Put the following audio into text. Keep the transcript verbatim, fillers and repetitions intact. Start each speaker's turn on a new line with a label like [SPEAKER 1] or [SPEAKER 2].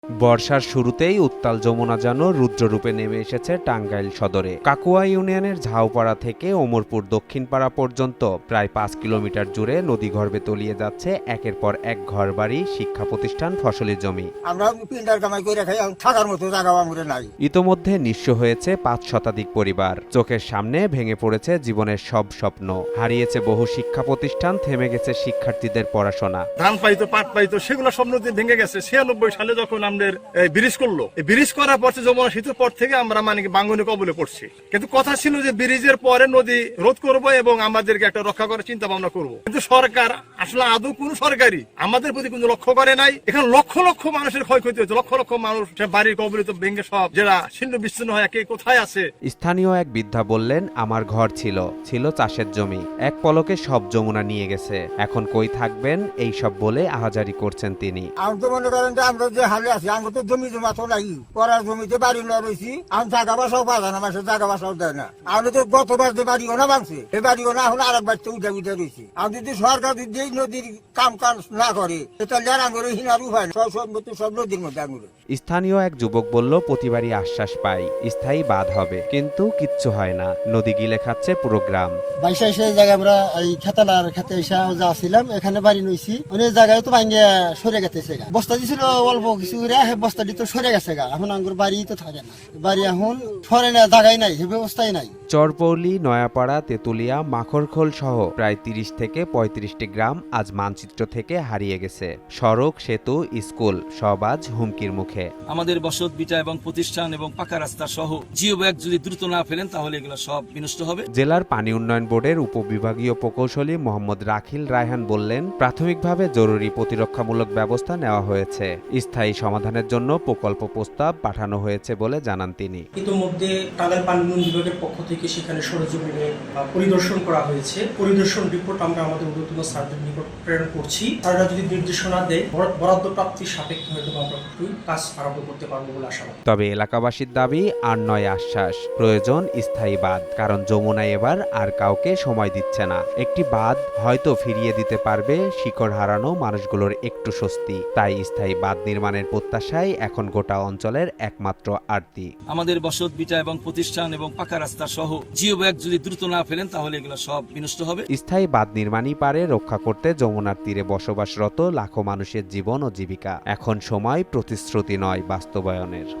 [SPEAKER 1] বর্ষার শুরুতেই উত্তাল যমুনা যেন রুদ্ররূপে নেমে এসেছে টাঙ্গাইল সদরে। কাকুয়া ইউনিয়নের ঝাউপাড়া থেকে ওমরপুর দক্ষিণপাড়া পর্যন্ত প্রায় পাঁচ কিলোমিটার জুড়ে নদীগর্ভে তলিয়ে যাচ্ছে একের পর এক ঘরবাড়ি, শিক্ষা প্রতিষ্ঠান, ফসলি জমি।
[SPEAKER 2] আমরা পিন্ডার কামাই করে খাই, থাকার মতো জায়গা আমাদের নাই।
[SPEAKER 1] ইতোমধ্যে নিঃস্ব হয়েছে পাঁচ শতাধিক পরিবার। চোখের সামনে ভেঙে পড়েছে জীবনের সব স্বপ্ন, হারিয়েছে বহু শিক্ষা প্রতিষ্ঠান, থেমে গেছে শিক্ষার্থীদের পড়াশোনা।
[SPEAKER 3] ধান পাইতো, পাট পাইতো, সেগুলো সব নদী ভেঙে গেছে। ছিয়ানব্বই সালে যখন আমাদের ব্রিজ করলো, ব্রিজ করার পর যমুনা সেতুর পর থেকে আমরা মানে বাঙ্গনি কবলে পড়ছি। কিন্তু কথা ছিল যে ব্রিজের পরে নদী রোধ করবো এবং আমাদেরকে একটা রক্ষা করার চিন্তা ভাবনা করবো। কিন্তু সরকার আসলে আদৌ কোন সরকারি আমাদের প্রতি কোনো লক্ষ্য করে নাই। এখানে লক্ষ লক্ষ মানুষের ক্ষয়ক্ষতি হয়েছে, লক্ষ লক্ষ মানুষ বাড়ির কবলিত ভেঙে সব যারা ছিন্ন বিচ্ছিন্ন হয়ে কে কোথায় আছে।
[SPEAKER 1] স্থানীয় এক বৃদ্ধা বললেন, আমার ঘর ছিল ছিল চাষের জমি, এক পলকে সব যমুনা নিয়ে গেছে, এখন কই থাকবেন এই সব বলে আহাজারি করছেন তিনি।
[SPEAKER 2] আমি তো মনে করেন যে আমরা যে হালে আছি, আমরা তো জমি জমা তো নাই, পড়ার জমিতে বাড়ি না রয়েছি। আমি জায়গা বাসাও পাওয়া যায় না, মাসে জায়গা বাসাও দেয় না। আমি তো গতবার যে বাড়িও না ভাঙছে, এই বাড়িও না, এখন আর এক বাড়িতে উঠে উঠে রয়েছি। আমি যদি সরকার যদি এই নদীর কাম কাজ না করে, তাহলে আর আঙুরে হিনার উপায় না, সব সম্পত্তি সব নদীর মধ্যে আঙুরে।
[SPEAKER 1] স্থানীয় এক যুবক বলল, প্রতিবারই আশ্বাস পাই স্থায়ী বাঁধ হবে, কিন্তু কিচ্ছু হয় না, নদী গিলে খাচ্ছে পুরো গ্রাম।
[SPEAKER 4] বাইশে সেই জায়গায় আমরা এই খেতালার খেতে এসে যা ছিলাম, এখানে বাড়ি নইছি, অনেক জায়গায় তো ভাঙ্গে সরে গেছে গা। বস্তা দিছিল অল্প কিছু, বস্তাটি তো সরে গেছে গা। এখন আঙ্গুর বাড়ি তো থাকে না, বাড়ি এখন সরে না, জায়গায় নাই, সে ব্যবস্থাই নাই।
[SPEAKER 1] চরপৌলি, নয়াপাড়া, তেতুলিয়া, মাখরখোল সহ প্রায় তিরিশ থেকে পঁয়ত্রিশটি গ্রাম আজ মানচিত্র থেকে হারিয়ে গেছে। সড়ক, সেতু, স্কুল সব আজ হুমকির মুখে।
[SPEAKER 5] আমাদের বসত ভিটা এবং প্রতিষ্ঠান এবং পাকা রাস্তা সহ জিও ব্যাগ যদি দ্রুত না ফেলেন তাহলে এগুলো সব বিনষ্ট হবে।
[SPEAKER 1] জেলার পানি উন্নয়ন বোর্ডের উপবিভাগীয় প্রকৌশলী মোহাম্মদ রাখিল রায়হান বললেন, প্রাথমিকভাবে জরুরি প্রতিরক্ষামূলক ব্যবস্থা নেওয়া হয়েছে, স্থায়ী সমাধানের জন্য প্রকল্প প্রস্তাব পাঠানো হয়েছে বলে জানান তিনি।
[SPEAKER 6] ইতিমধ্যে টাঙ্গাইল পানি উন্নয়ন বিভাগের পক্ষ থেকে সেখানে সরেজমিনে পরিদর্শন করা হয়েছে। পরিদর্শন রিপোর্ট আমরা আমাদের ঊর্ধ্বতন স্যারদের নিকট প্রেরণ করছি। তারা যদি নির্দেশনা দেয়, বরাদ্দ প্রাপ্তির সাপেক্ষে হয়তো আমরা কাজ আরম্ভ করতে পারবো বলে আশা করি।
[SPEAKER 1] তবে এলাকাবাসীর দাবি আর নয় আশ্বাস, প্রয়োজন স্থায়ী বাঁধ, কারণ যমুনা এবার আর কাউকে সময় দিচ্ছে না। একটি বাঁধ হয়তো ফিরিয়ে দিতে পারবে শিকড় হারানো মানুষগুলোর একটু স্বস্তি। তাই স্থায়ী বাঁধ নির্মাণের প্রত্যাশায় এখন গোটা অঞ্চলের একমাত্র আরতি।
[SPEAKER 5] আমাদের বসত ভিটা এবং প্রতিষ্ঠান এবং পাকা রাস্তা সহ জিও ব্যাগ যদি দ্রুত না ফেলেন তাহলে এগুলো সব বিনষ্ট হবে।
[SPEAKER 1] স্থায়ী বাঁধ নির্মাণই পারে রক্ষা করতে যমুনার তীরে বসবাসরত লাখো মানুষের জীবন ও জীবিকা। এখন সময় প্রতিশ্রুতি নয়, বাস্তবায়নের।